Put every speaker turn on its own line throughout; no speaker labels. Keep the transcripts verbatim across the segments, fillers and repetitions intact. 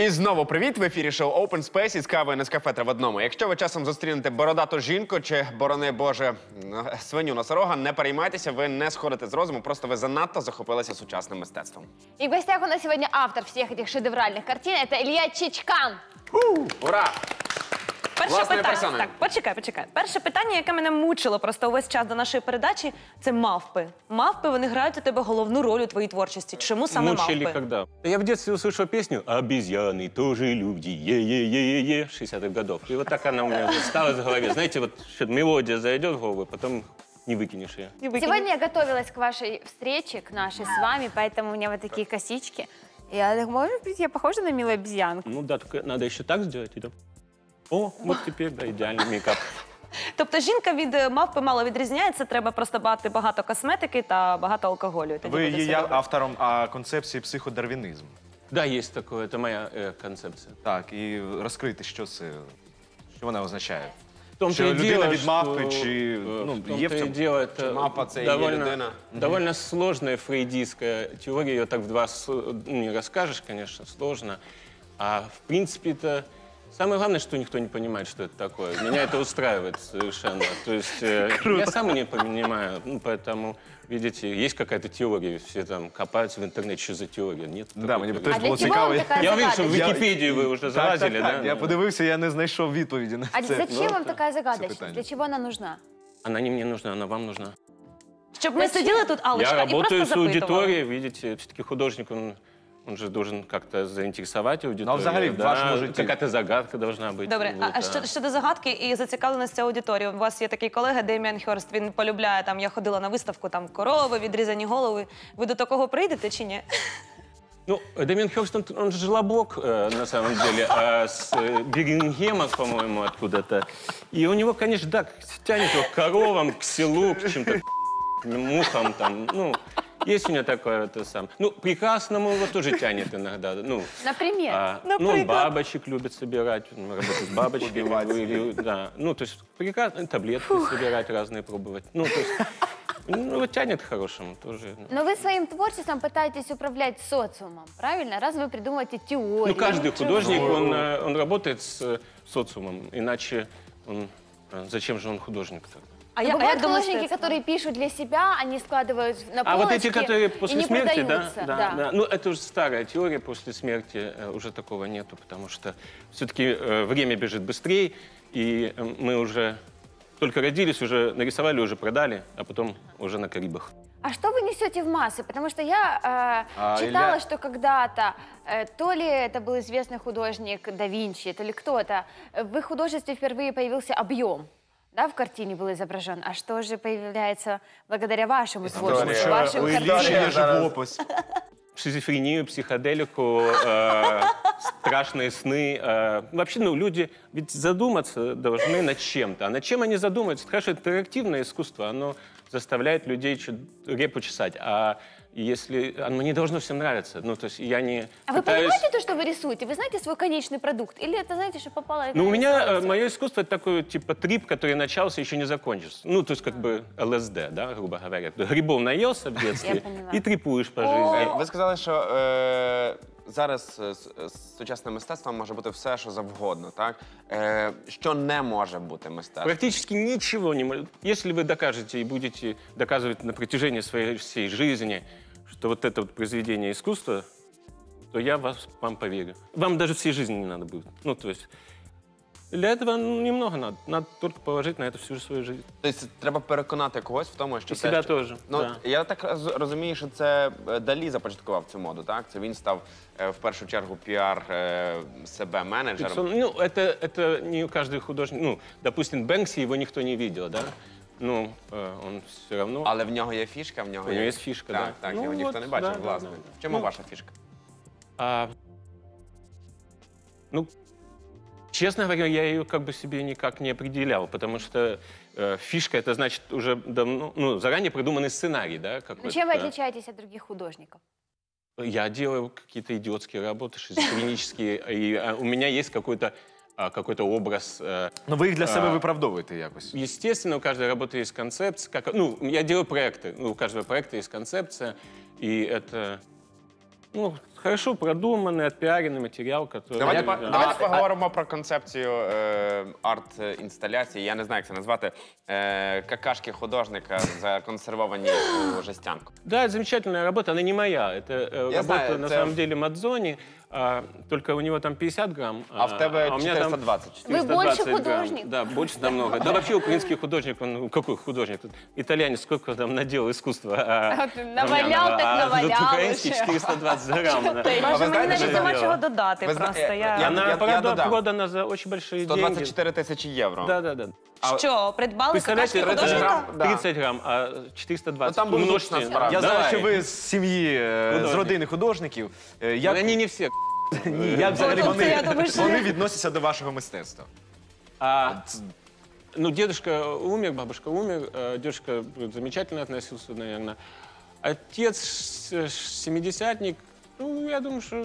І знову привіт! В ефірі шоу Open Space із кавою Нескафе три в одному. Якщо ви часом зустрінете бородату жінку чи, борони Боже, свиню-носорога, не переймайтеся, ви не сходите з розуму, просто ви занадто захопилися сучасним мистецтвом.
И в гостях у нас сегодня автор всех этих шедевральных картин – это Илья Чичкан.
Ура!
Перше
Власною
питання.
персоною.
Так, почекай, почекай. Перше питання, яке мене мучило просто увесь час до нашої передачі, це мавпи. Мавпи, вони грають у тебе головну роль у твоїй творчості. Чому саме
Мучили
мавпи?
когда? Я в детстве услышал песню «Обезьяны тоже люди, е-е-е-е-е» шестидесятых годов. И вот так она у меня осталась в голове. Знаете, вот мелодия зайдет в голову, потом не выкинешь ее.
Не викинь.
Сегодня я готовилась к вашей встрече, к нашей с вами, поэтому у меня вот такие косички. Я так, может быть, я похожа на милую обезьянку?
Ну да, только надо еще так сделать. И там... О, вот теперь, да, идеальный мейкап.
Тобто жінка від е, мавпи мало відрізняється, треба просто мати багато косметики та багато алкоголю. і тоді
Ви
буде
є
все
я
добре.
автором а, концепції психодарвінізму.
Да, есть такое, это моя э, концепция.
Так, і розкрити, що це, що вона означає.
В том-то
Що
и
людина
дело,
від мавпи,
что,
чи,
э,
ну,
в том-то
є в
и
цьому?
дело, это
мавпа це і є
довольно,
людина.
довольно сложная фрейдистская теория, ее так в два с- ну, не расскажешь, конечно, сложно. А в принципе это самое главное, что никто не понимает, что это такое. Меня это устраивает совершенно. То есть э, я сам не понимаю, ну, поэтому, видите, есть какая-то теория, все там копаются в интернете, что за теория. Нет.
Да,
такой
мені б
теории.
теж
А
було
для чего
цікаво.
вам такая
Я увидел, что в
загадочность?
Википедию вы уже
Так,
залазили,
так, так.
да?
Я подивився, я не знайшов відповіді на
А
це.
зачем вам такая
питание.
загадочность? Для чего она нужна?
Она не мне нужна, она вам нужна.
Щоб ми сиділи тут, Аллочка,
Я
і просто
работаю с
запитували.
аудиторией, видите, все-таки художник, он, он же должен как-то заинтересовать аудиторию.
Ну, а взагалі, в
да,
вашому житті?
какая-то загадка должна быть.
Добре,
вот,
а, а що, щодо загадки і зацікавленості аудиторії. У вас є такий колега Деміан Хьорст, він полюбляє, там, я ходила на виставку, там, корови, відрізані голови. Ви до такого прийдете чи ні?
Ну, Демиан Хёрст, он, он же жлобок, э, на самом деле, а с э, Бирмингема, по-моему, откуда-то. И у него, конечно, да, тянет его к коровам, к селу, к чем-то мухам там, ну... Есть у него такое, это сам. Ну, прекрасному его тоже тянет иногда. Ну,
Например?
а, ну, он бабочек любит собирать, он работает с бабочками. Или, да. Ну, то есть прекрасно, таблетки собирать разные, пробовать. Ну, то есть, ну, вот тянет к хорошему тоже.
Но вы своим творчеством пытаетесь управлять социумом, правильно? Раз вы придумываете теорию.
Ну, каждый художник, он, э, он работает с э, социумом, иначе он... э, Зачем же он художник тогда?
А,
Но
я, а
бывают
як до
художники,
мистецтва?
которые пишут для себя, они складывают на
А вот
полочки
эти, которые
и
после
не
смерти, да,
продаются.
да, да. Ну, это уже старая теория, после смерти э, уже такого нету, потому что все-таки э, время бежит быстрее, и э, мы уже только родились, уже нарисовали, уже продали, а потом уже на Карибах.
А что вы несете в массы? Потому что я э,
А,
читала,
Илья-
что когда-то, э, то ли это был известный художник да Винчи, то ли кто-то, э, в их художестве впервые появился объем. Да, в картине был изображен. А что же появляется благодаря вашему творчеству,
История.
вашим
У Іллі
картинам?
є живопис.
Шизофрению, психоделику, э, страшные сны. Э, вообще, ну, люди ведь задуматься должны над чем-то. А над чем они задумаются? Хорошо, интерактивное искусство, оно заставляет людей чуть репу чесать. А если оно не должно всем нравиться, ну, то есть я не
А вы
пытаюсь...
понимаете то, что вы рисуете? Вы знаете свой конечный продукт? Или это, знаете, что попало...
Ну, у меня э,
нарисовывается?
мое искусство это такой типа трип, который начался, еще не закончился. Ну, то есть как бы ЛСД, да, грубо говоря. Грибов наелся в детстве
поняла.
и трипуешь по жизни.
Ви сказали, що е, зараз е, с- е, сучасне мистецтво може бути все, що завгодно, так? Е, що не може бути мистецтвом?
Практически ничего не может. Если вы докажете и будете доказывать на протяжении своей всей жизни, что вот это вот произведение искусства, то я вас, вам поверю. Вам даже всей жизни не надо будет. Ну, то есть для этого ну, немного надо. Надо только положить на это всю свою жизнь.
Тобто треба переконати когось в тому, що
І
це...
себе
що-
теж,
Ну,
да.
я так роз- розумію, що це е, Далі започаткував цю моду, так? Це він став е, в першу чергу піар е, себе менеджером.
Ну, это, это не каждый художник. Ну, допустим, Бэнкси, его никто не видел, да? Ну, э, он все равно...
Але в нього є фішка, в нього
У
є...
нього є фішка,
так,
да.
Так,
Ну,
його ніхто
от,
не бачив,
да, да,
власне.
да.
В чому
Ну,
ваша фішка?
А, ну, честно говоря, я ее как бы себе никак не определял, потому что э, фишка это значит уже давно, ну, заранее придуманный сценарий, да,
Ну,
какой-то.
чем вы отличаетесь от других художников?
Я делаю какие-то идиотские работы, шизофренические, и а, у меня есть какой-то а, какой-то образ. э,
Ну, ви їх для себе
А.
виправдовуєте якось.
Естественно, у каждой работы есть концепция. Как, ну, я делаю проекты. Ну, у каждого проекта есть концепция. И это, ну, хорошо продуманный, отпиаренный материал, который...
Давайте,
Да.
по- давайте поговоримо про концепцію е, арт-інсталяції. Я не знаю, як це назвати. Е, какашки художника законсервовані у жестянку.
Да, это замечательная работа, она не моя. Это э,
Я
работа,
знаю,
на
это-
самом деле, Мадзони, а, только у него там пятьдесят грамм.
А в тебе
у меня там
четыреста двадцать.
Вы больше
грамм.
художник.
Да, больше намного. Да вообще украинский художник, он ну, какой художник? Тут итальянец сколько там наделал искусства. А,
А, навалял,
Ромянова,
так
а
навалял
тут украинский
уже.
четыреста двадцать грамм. да.
Боже,
ви
мені
знаєте,
навіть
що
нема
це
чого
діло?
додати
Ви зна-
просто.
я-
Я...
я-
Она
я
прода-
додам.
продана за очень большие
сто
деньги.
двадцять чотири тисячі євро.
Да, да, да.
А-
Що, придбали
Представляете,
какашки
тридцать
художника?
грамм. Да.
тридцать грамм, а четыреста двадцать.
Ну, там будет
Умножьте.
лучше насправді.
Я знаю,
Давай.
що ви з сім'ї, е, з
Художник.
родини художників. Е,
Ну,
Як,
Они не все.
ні, як взагалі
Ну, тобто, я
вони,
думаю, що-
вони відносяться до вашого мистецтва?
А, ну, дедушка умер, бабушка умер, э, дедушка замечательно относился, наверное. Отец э, семидесятник, ну, я думаю, что...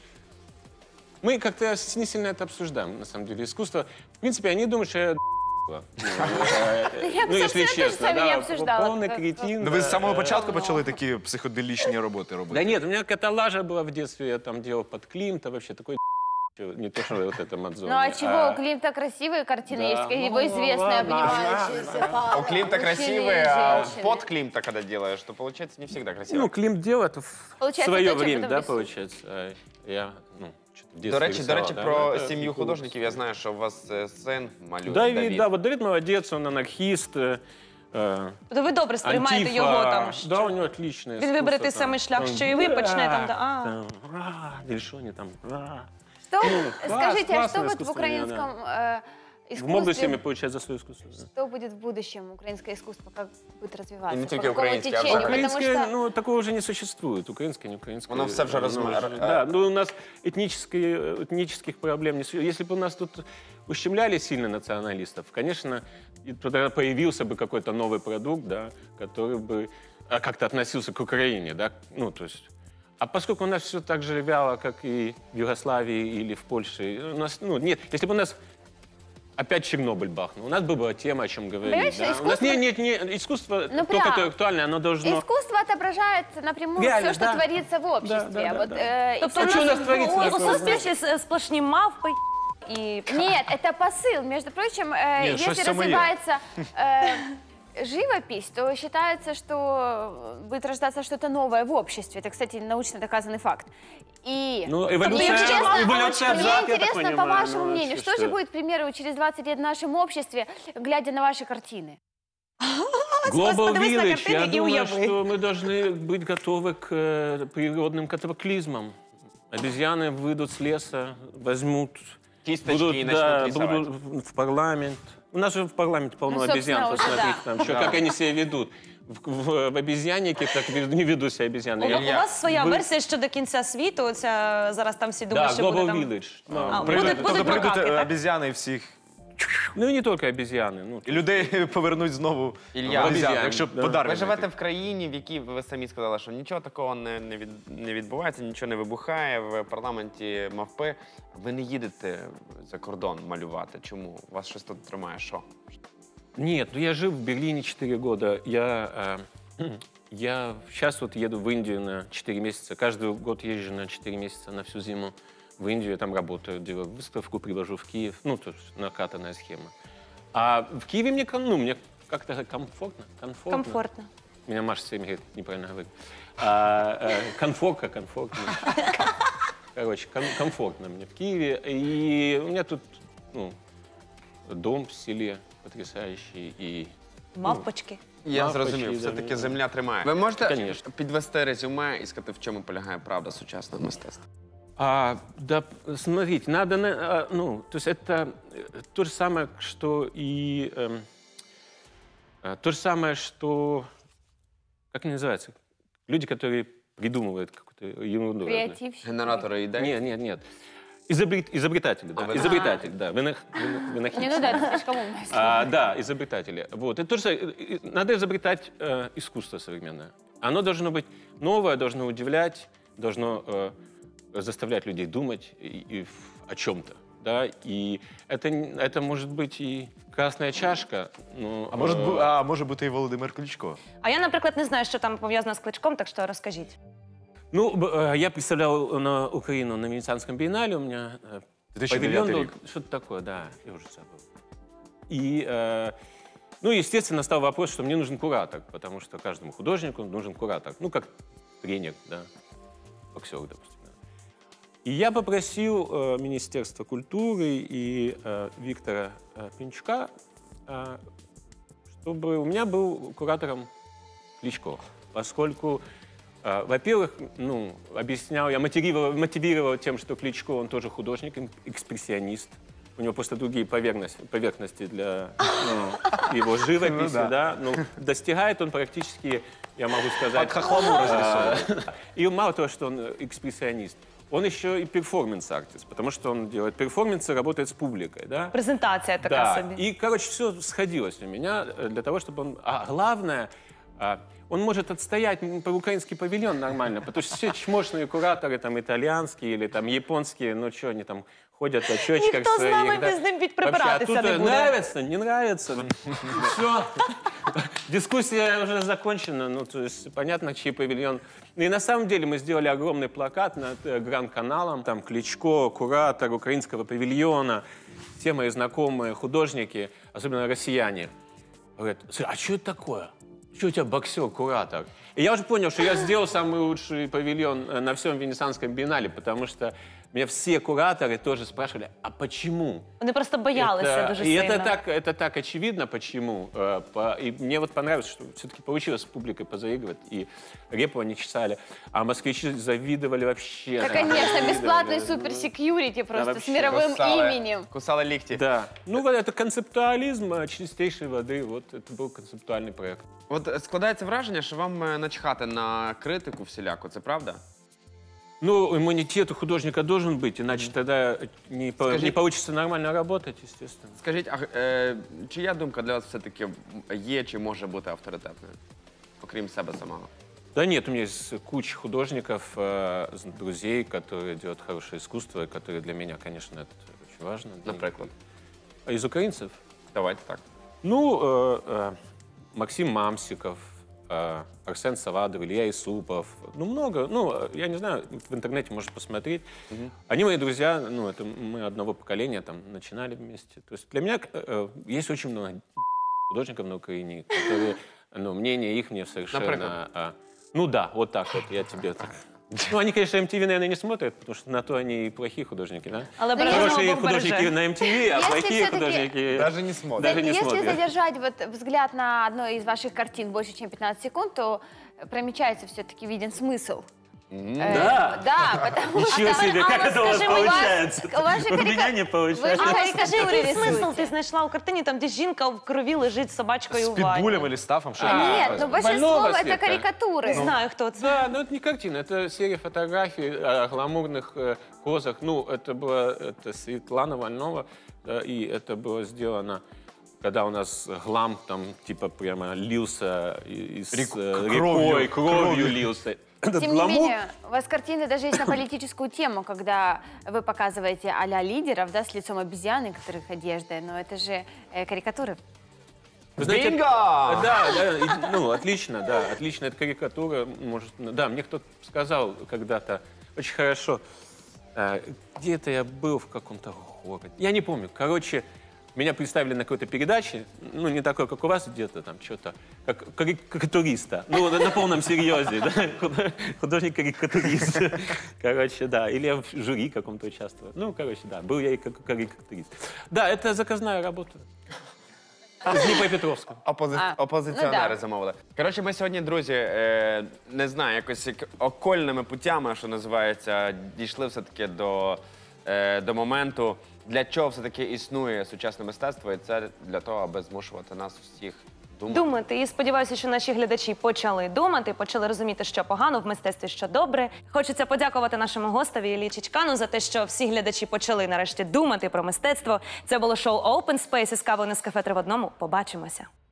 Мы как-то не сильно это обсуждаем, на самом деле. Искусство, в принципе, они думают, что я ну,
Я бы,
ну, если
собственно, тоже
честно,
с вами не
да,
обсуждала.
полный
Как-
кретин.
Ну, ви з
да,
самого
э,
початку почали такі психоделічні роботи робити?
Да нет, у меня каталажа была в детстве, я там делал под Климта, вообще такой не то, что вот это Мадзони.
Ну а чего, у Климта красивые картины
Да.
есть, его
Ну,
известная,
ладно.
обнимающаяся пара,
У Климта
мужчины и
красивые, а
женщины.
под Климта, когда делаешь, то получается не всегда красиво.
Ну, Климт делает в
Получается,
свое
то, чем
время,
потом
да,
рисует.
получается. А я, ну, что-то в детстве
До речі, до
рисовал,
речі,
да,
про
ну, это
сім'ю
прикол.
художників я знаю, що у вас е, син малює.
Давид,
Давид.
да, вот Давид молодец, он анархист. э, э,
Тобто ви добре сприймаєте
Антифа.
його там, що
Да, у него отличное
він вибере той
искусство,
самий
там.
шлях,
Он
що і ви
«Ура!»
почне там, да, а.
там, «Ура!» Или что они там, «Ура!»
Что,
класс,
скажите, а что
классное
вот в
искусство,
украинском э,
В молодости
искусстве,
получать за свое искусство. да.
что будет в будущем украинское искусство, как будет развиваться,
И не
по
только
какому
украинское, а
течению, потому
Украинское,
что...
ну, такого уже не существует. Украинское, не украинское.
Оно все уже
Ну,
размер-
Да, ну, у нас этнические, этнических проблем не существует. Если бы у нас тут ущемляли сильно националистов, конечно, и тогда появился бы какой-то новый продукт, да, который бы а, как-то относился к Украине, да, ну, то есть... А поскольку у нас все так же вяло, как и в Югославии или в Польше, у нас, ну, нет, если бы у нас опять Чернобыль бахнул, у нас бы была тема, о чем говорить.
Понимаешь,
Да? У нас
искусство-
нет, нет, нет, искусство
Ну,
только
прям.
то актуальное, оно должно...
Искусство отображает напрямую
Реально,
все, что
да.
творится в обществе.
Да, да, да,
вот,
да.
э, и
Тобто
А
всё
что у нас
в
творится
у
такое?
суспільстві с- сплошні мавпи і...
Нет, это посыл. Между прочим, э,
Нет,
если
что самое.
развивается э, живопись, то считается, что будет рождаться что-то новое в обществе. Это, кстати, научно доказанный факт. И
Ну,
мне
эволюция,
интересно,
эволюция
мне
взад, я так
интересно, по
понимаю,
вашему
ну,
мнению,
вообще,
что же будет, к примеру, через двадцать лет в нашем обществе, глядя на ваши картины?
Global
подивись на
Village,
картини
я
і
думаю,
уяви.
что мы должны быть готовы к э, природным катаклизмам. Обезьяны выйдут с леса, возьмут,
Кисточки
будут,
и
да,
начнут рисовать.
будут в- в парламент. У нас же в парламенте полно
Ну, собственно,
обезьян,
уже
посмотрите,
да.
там, что, как они себя ведут. В, в, в обезьяннике так вед- не ведут себя обезьяны.
У,
Я-
у вас своя
ви-
версія щодо кінця світу, оця, зараз там всі
Да,
думають, що буде
Global
там...
Village.
А,
Ну,
буде-
Прийдуть-
будуть
Тобто прийдуть
макаки,
е,
так?
обізяни і всіх,
ну, и не только обезьяны. Ну,
і людей повернуть знову
Ілля,
в обізян,
обізян,
якщо
да.
подарки.
Ви живете
знайти.
в країні, в якій ви самі сказали, що нічого такого не, не, від, не відбувається, нічого не вибухає в парламенті мавпи. Ви не їдете за кордон малювати. Чому? Вас щось тут тримає? Що?
Нет, ну я жил в Берлине четыре года. Я, э, я сейчас вот еду в Индию на четыре месяца. Каждый год езжу на четыре месяца на всю зиму в Индию. Я там работаю, делаю выставку, привожу в Киев. Ну, то есть накатанная схема. А в Киеве мне, ком- ну, мне как-то комфортно. Комфортно.
Комфортно.
Меня Маша все время говорит, неправильно говорит. А, э, комфортно, комфортно. Короче, ком- комфортно мне в Киеве. И у меня тут, ну, дом в селе потрясающий. И
Мавпочки.
Я
Мавпочки,
зрозумів,
да,
все-таки
да.
земля тримає. Ви можете
Конечно.
підвести резюме і сказати, в чому полягає правда сучасного мистецтва?
А, да, смотрите, надо, на- а, ну, то есть это э, то же самое, что и эм, а, то же самое, что, как они называются, люди, которые придумывают какую-то ерунду. разную.
Креативщик.
Генератори ідей?
Нет, нет, нет. Изобрет- изобретатели, да,
А, вы-
изобретатель, да, вынах- вынах- вынахидцы.
Не, ну да, это слишком умное слово.
А, да, изобретатели. Вот. Это тоже, э, э, надо изобретать э, искусство современное. Оно должно быть новое, должно удивлять, должно э, заставлять людей думать и, и в- о чем-то. Да? И это, н- это может быть и красная чашка. Но,
А може,
э,
бу- а може бути і Володимир Кличко.
А я, наприклад, не знаю, що там пов'язано з Кличком, так що розкажіть.
Ну, б- э, я представлял на Украину на Венецианском биеннале, у меня э,
две тысячи девятый
павильон был,
рік.
что-то такое, да, я уже забыл. И, э, ну, естественно, стал вопрос, что мне нужен куратор, потому что каждому художнику нужен куратор, ну, как тренер, да, боксер, допустим. Да. И я попросил э, Министерство культуры и э, Виктора э, Пинчука, э, чтобы у меня был куратором Кличко, поскольку, э, во-первых, ну, объяснял, я мотивировал, мотивировал тем, что Кличко, он тоже художник, эм- экспрессионист. У него просто другие поверхности, поверхности для ну, его живописи,
да.
да. Ну, достигает он практически, я могу сказать...
Под хохлому разрисован.
И мало того, что он экспрессионист, он еще и перформанс-артист, потому что он делает перформансы, работает с публикой, да.
Презентація така
Да,
собі.
и, короче, все сходилось у меня э, для того, чтобы он... А главное, а, он может отстоять м, по украинский павильон нормально, потому что все чмошные кураторы, там, итальянские или там японские, ну, что они там ходят в очочках
Ніхто з
своих,
нами
да.
без ним під
Вообще, а
прибиратися
тут
не
э,
буде.
нравится, не нравится, все. Дискуссия уже закончена, ну, то есть понятно, чей павильон. Ну, и на самом деле мы сделали огромный плакат над э, Гранд-каналом, там Кличко, куратор украинского павильона, все мои знакомые художники, особенно россияне, говорят: «Слушай, а что это такое? Что у тебя боксер, куратор?» И я уже понял, что я сделал самый лучший павильон э, на всем Венецианском биеннале, потому что меня все кураторы тоже спрашивали: а почему?
Вони просто боялися
Это-
дуже
и
сильно.
это так, это так очевидно, почему. Э, по- и мне вот понравилось, что все-таки получилось с публикой позаигрывать. И репу они чесали, а москвичи завидовали вообще.
Да,
там,
конечно,
завидовали.
бесплатный супер-секьюрити просто с
вообще.
мировым
Кусали-
именем.
Кусали лікті.
Да. Ну, вот это концептуализм э, чистейшей воды. Вот это был концептуальный проект.
От е, складається враження, що вам е, начхати на критику всіляку, це правда?
Ну, иммунитет у художника должен быть, иначе тогда не, по-
Скажи-
не получится нормально работать, естественно.
Скажіть, а е, чия думка для вас все-таки є чи може бути авторитетною, окрім себе самого?
Да нет, у меня есть куча художников, э, з- друзей, которые делают хорошее искусство, и которые для меня, конечно, это очень важно. Для них.
Наприклад.
А из украинцев?
Давайте так.
Ну, э, э, Максим Мамсиков, э, Арсен Савадов, Илья Исупов. Ну, много. Ну, э, я не знаю, в интернете можно посмотреть. Они мои друзья, ну, это мы одного поколения там начинали вместе. То есть для меня э, э, есть очень много художников на Украине, которые, ну, мнение их мне совершенно...
Например?
а, ну да, вот так вот, я тебе так... Ну, они, конечно, эм ти ви, наверное, не смотрят, потому что на то они и плохие художники, да?
Але
Ну,
бережемо
Хорошие
Бог
художники
береже.
на эм ти ви, а
Если
плохие
всё-таки-
художники...
Даже не смотрят.
Даже не
Если
смотрят.
задержать вот взгляд на одной из ваших картин больше, чем пятнадцать секунд, то промечается все-таки виден смысл. Э,
Да?
Да, потому что...
Ничего себе, как это у вас
скажи, у вас-
получается?
у вас же
У меня
карика-
не
Вы
получается.
же
А скажи,
карикатуры
який смисл
рисуете.
ти знайшла у картині, там, де жінка в крові лежить з собачкою
З
в ванні?
підбулем или стафом, що
А,
Нет,
Больного
ну большинство это
цвета.
карикатуры.
Не знаю, хто це.
Да, но это не картина, это серия фотографий о гламурных э, позах. Ну, это была это Светлана Вольнова, да, и это было сделано, когда у нас глам там типа прямо лился и- из
Рек-
э,
кровью,
рекой, кровью
кровью.
лился. Этот
Тем не
гламур-
менее, у вас картины даже есть на политическую тему, когда вы показываете а-ля лидеров, да, с лицом обезьяны, которых одежда, но это же э, карикатуры.
Вы знаете,
Бинго!
это- Да, да, и- ну, отлично, да, отлично, это карикатура, может, да, мне кто-то сказал когда-то, очень хорошо, э, где-то я был в каком-то городе, я не помню, короче, меня представили на какой-то передаче, ну, не такой, как у вас, где-то там что-то, как кари- карикатуриста, ну, на, на полном серьезе, да, худо- художник-карикатурист, короче, да, или я в жюри каком-то участвовал, ну, короче, да, был я и как карикатурист. Да, это заказная работа. З Дніпропетровська.
Опози...
А,
Опозиціонери
ну да.
замовили. Коротше, ми сьогодні, друзі, е, не знаю, якось як окольними путями, що називається, дійшли все-таки до, е, до моменту, для чого все-таки існує сучасне мистецтво, і це для того, аби змушувати нас всіх думати.
Думати. І сподіваюся, що наші глядачі почали думати, почали розуміти, що погано в мистецтві, що добре. Хочеться подякувати нашому гостеві Іллі Чичкану за те, що всі глядачі почали нарешті думати про мистецтво. Це було шоу Open Space із кавою Нескафе три в одному. Побачимося.